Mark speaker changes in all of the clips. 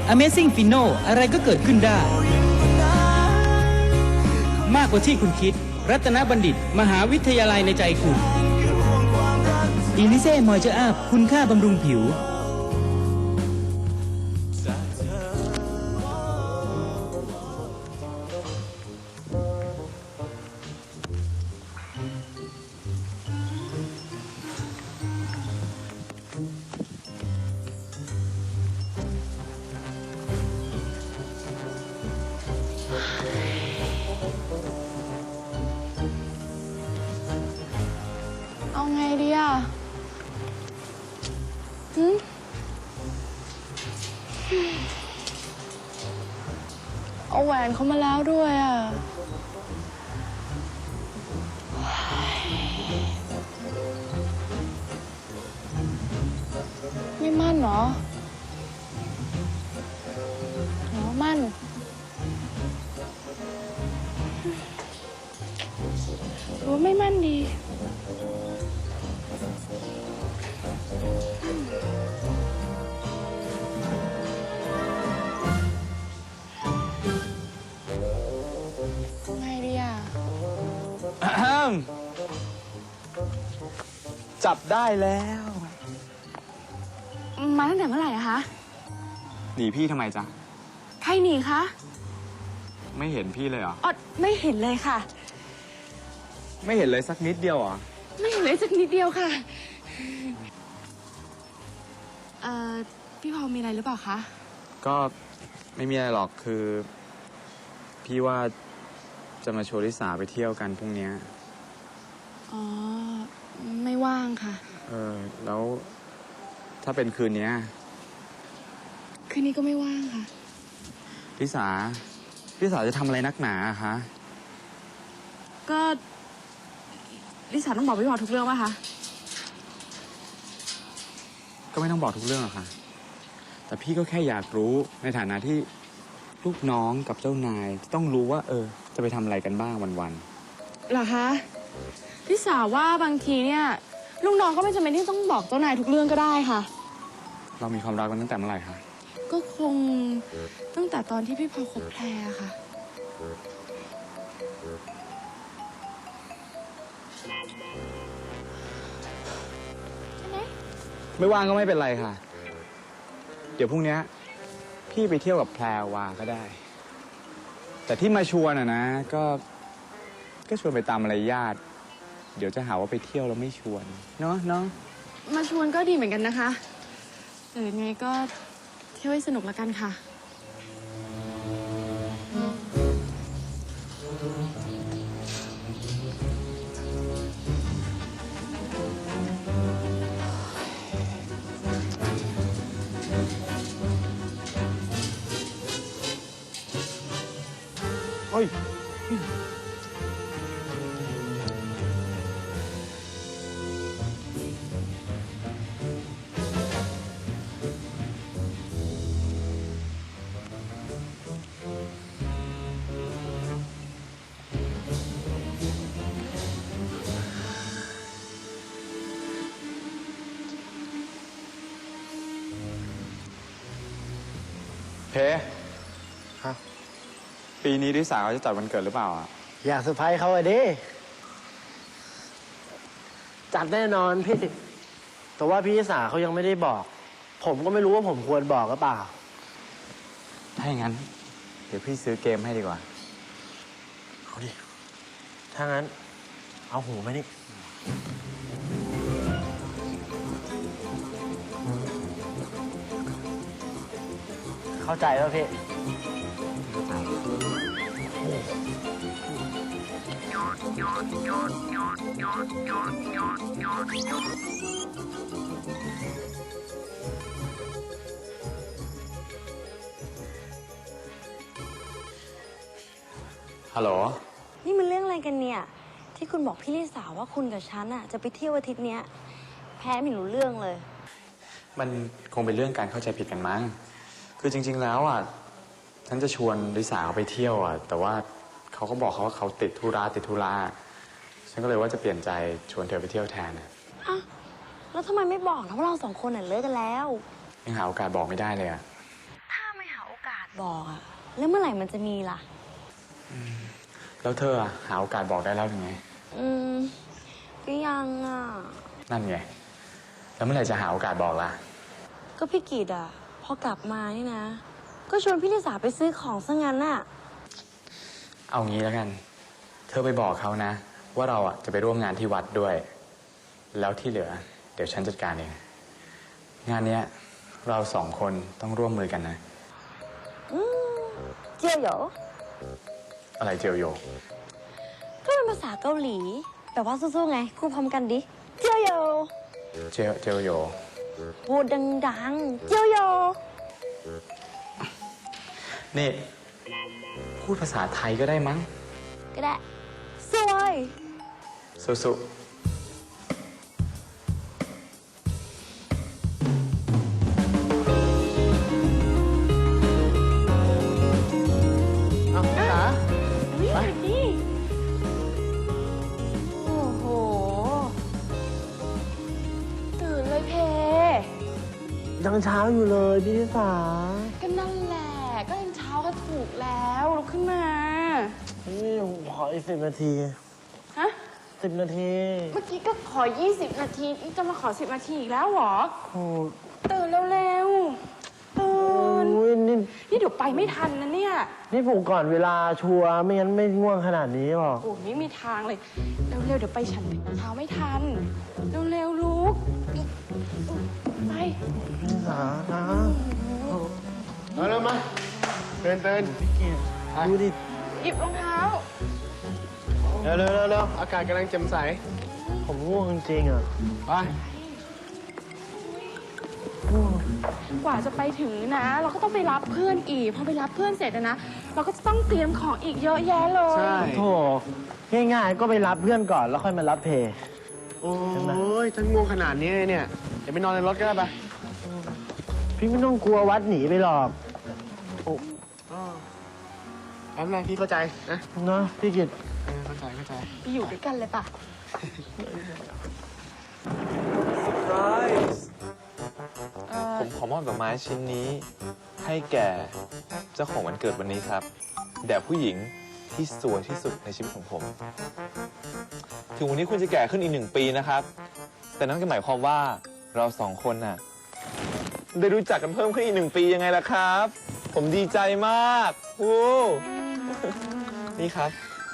Speaker 1: Amazing Fino อะไรก็เกิดขึ้นได้มากกว่าที่คุณคิดรัตนบัณฑิตมหาวิทยาลัยในใจคุณอีลิเซ่มอยเจอร์อัพคุณค่าบำรุงผิว
Speaker 2: เอาไงดีอ่ะเอาแหวนเขามาแล้วด้วยอ่ะไม่มั่นเหรอหรอมั่นหรือว่าไม่มั่นดีไงดีอ่ะ
Speaker 3: จับได้แล้ว
Speaker 2: มาตั้งแต่เมื่อไหร่อะคะ
Speaker 3: หนีพี่ทำไมจ๊ะ
Speaker 2: ใครหนีคะ
Speaker 3: ไม่เห็นพี่เลยเหรอ
Speaker 2: อ๋อไม่เห็นเลยค่ะ
Speaker 3: ไม่เห็นเลยสักนิดเดียวเหรอ
Speaker 2: ไม่เห็นเลยสักนิดเดียวค่ะพี่พอมีอะไรหรือเปล่าคะ
Speaker 3: ก็ไม่มีอะไรหรอกคือ พี่ว่าจะมาชวนลิสาไปเที่ยวกันพรุ่งนี้
Speaker 2: อ๋อไม่ว่างค่ะ
Speaker 3: แล้วถ้าเป็นคืนนี้
Speaker 2: คืนนี้ก็ไม่ว่างค่ะ
Speaker 3: ลิสาจะทำอะไรนักหนาอะคะ
Speaker 2: ก็ลิสาต้องบอกพี่พอทุกเรื่องป่ะคะ
Speaker 3: ก็ไม่ต้องบอกทุกเรื่องหรอกค่ะแต่พี่ก็แค่อยากรู้ในฐานะที่ลูกน้องกับเจ้านายต้องรู้ว่าจะไปทำอะไรกันบ้างวัน
Speaker 2: เหรอคะลิสาว่าบางทีเนี่ยลูกน้องก็ไม่จำเป็นที่ต้องบอกเจ้านายทุกเรื่องก็ได้ค่ะ
Speaker 3: ๆเรามีความรักกันตั้งแต่เมื่อไหร่คะ
Speaker 2: ก็คงตั้งแต่ตอนที่พี่พอคบแพรค่ะใช่ไหม
Speaker 3: ไม่ว่างก็ไม่เป็นไรค่ะ เดี๋ยวพรุ่งนี้พี่ไปเที่ยวกับแพรวาก็ได้ แต่ที่มาชวนนะก็ชวนไปตามมารยาทเดี๋ยวจะหาว่าไปเที่ยวแล้วไม่ชวนเนาะ
Speaker 2: มาชวนก็ดีเหมือนกันนะคะแต่ยังไงก็เที่ยวให้สนุกแล้วกันค่ะ
Speaker 3: เฮ้ยเพฮะปีนี้ลิสาเขาจะจัดวันเกิดหรือเปล่าอ่ะ
Speaker 4: อยากเซอร์ไพรส์เขาอะดิจัดแน่นอนพี่ แต่ว่าพี่สาเขายังไม่ได้บอก ผมก็ไม่รู้ว่าผมควรบอกหรือเปล่า
Speaker 3: ถ้าอย่างนั้น เดี๋ยวพี่ซื้อเกมให้ดีกว่า
Speaker 4: เอาดิ ถ้างั้น เอาหูมานี่ เข้าใจป่ะพี่
Speaker 3: ฮัลโหล
Speaker 5: นี่มันเรื่องอะไรกันเนี่ย ที่คุณบอกพี่ลิสาว่าคุณกับฉันอะจะไปเที่ยวอาทิตย์เนี้ยแพ้ไม่รู้เรื่องเลย
Speaker 3: มันคงเป็นเรื่องการเข้าใจผิดกันมั้ง คือจริงๆแล้วอ่ะ ฉันจะชวนลิสาเขาไปเที่ยวอ่ะ แต่ว่าเขาก็บอกเขาว่าเขาติดธุระฉันก็เลยว่าจะเปลี่ยนใจชวนเธอไปเที่ยวแทนอ่ะ
Speaker 5: อ้าวแล้วทำไมไม่บอกนะว่าเราสองคนน่ะเลิกกันแล้ว
Speaker 3: ยังหาโอกาสบอกไม่ได้เลยอ่ะ
Speaker 5: ถ้าไม่หาบอกอะแล้วเมื่อไหร่มันจะมีล่ะ
Speaker 3: แล้วเธออะหาโอกาสบอกได้แล้วหรือไง
Speaker 5: อืม ก็ยังอะ
Speaker 3: นั่นไง แล้วเมื่อไหร่จะหาโอกาสบอกล่ะ
Speaker 5: ก็พี่กิตอะพอกลับมานี่นะ ก็ชวนพี่ลิสาไปซื้อของซะงั้นน่ะ
Speaker 3: เอางี้แล้วกัน เธอไปบอกเขานะ ว่าเราอะจะไปร่วมงานที่วัดด้วย แล้วที่เหลือ เดี๋ยวฉันจัดการเอง งานเนี้ยเราสองคนต้องร่วมมือกันนะ
Speaker 5: อืม เจียวเหรอ
Speaker 3: อะไรเจียวโย
Speaker 5: ก็เป็นภาษาเกาหลี แต่ว่าสู้ๆไงพูดพร้อมกันดิ เจียวเหรอ
Speaker 3: เจียวโย
Speaker 5: พูดดังๆ เจียวเหรอ
Speaker 3: นี่ พูดภาษาไทยก็ได้มั้ง
Speaker 5: ก็ได้ สวย
Speaker 3: สุๆ
Speaker 4: เอาพี่สา
Speaker 2: นี่นี่โอ้โห ตื่นเลยเพ
Speaker 4: ยังเช้าอยู่เลยพี่ลิสา
Speaker 2: ก็นั่นแหละ ก็ยังเช้าก็ถูกแล้วลุกขึ้นมา
Speaker 4: นี่ผมขออีก10 นาที
Speaker 2: ฮะ
Speaker 4: 10 นาที
Speaker 2: เมื่อกี้ก็ขอ 20 นาทีนี่จะมาขอ 10 นาทีอีกแล้วเหรอ
Speaker 4: โอ้
Speaker 2: ตื่นเร็วๆตื่น
Speaker 4: ยนี่
Speaker 2: นี่เดี๋ยวไปไม่ทันนะเนี่ย
Speaker 4: นี่ผมก่อนเวลาชัวร์ไม่งั้นไม่ง่วงขนาดนี้หรอก
Speaker 2: โอ้ไม่มีทางเลย เร็วๆ เดี๋ยวไปฉันเช้าไม่ทัน เร็วๆ ลุกไป
Speaker 4: พี่ลิสานะ
Speaker 6: เอาแล้วมาเดิน
Speaker 4: ดูดิ
Speaker 2: หยิบรองเท้า
Speaker 6: เร็วอากาศกำลังแจ่มใส
Speaker 4: ผมง่วงจริงๆอ่ะ
Speaker 6: ไป
Speaker 2: กว่าจะไปถึงนะ เราก็ต้องไปรับเพื่อนอีก พอไปรับเพื่อนเสร็จนะ เราก็จะต้องเตรียมของอีกเยอะแยะเลย
Speaker 6: ใช่
Speaker 4: โถง่ายๆ ก็ไปรับเพื่อนก่อนแล้วค่อยมารับเพย์
Speaker 6: โอ้ยถ้าง่วงขนาดนี้เนี่ย เดี๋ยวไปนอนในรถก็ได้ปะ
Speaker 4: พี่ไม่ต้องกลัววัดหนีไปหรอก
Speaker 6: แป๊บนึงพี่เข้าใจนะ
Speaker 4: เนาะพี่กิต
Speaker 6: เข้าใจ
Speaker 2: ไปอยู่ด้วยกันเลยป่ะ
Speaker 7: ผมขอมอบดอกไม้ชิ้นนี้ ให้แก่เจ้าของวันเกิดวันนี้ครับแด่ผู้หญิงที่สวยที่สุดในชีวิตของผม ถึงวันนี้คุณจะแก่ขึ้นอีก1 ปีนะครับ แต่นั่นก็หมายความว่าเรา2 คนน่ะได้รู้จักกันเพิ่มขึ้นอีก1 ปียังไงล่ะครับ ผมดีใจมากวู้ นี่ครับ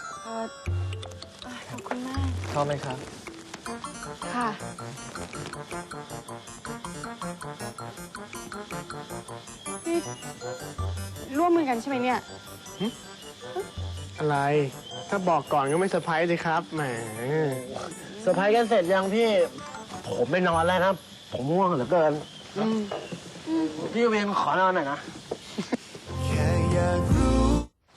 Speaker 2: ขอบคุณมาก
Speaker 7: ชอบไหมครับ
Speaker 2: ค่ะ นี่ร่วมมือกันใช่ไหมเนี่ย
Speaker 6: อะไร ถ้าบอกก่อนก็ไม่เซอร์ไพรส์เลยครับ แหม
Speaker 4: เซอร์ไพรส์กันเสร็จยังพี่ ผมไปนอนแล้วนะ ผมง่วงเหลือเกิน พี่เวียนขอนอนหน่อยนะ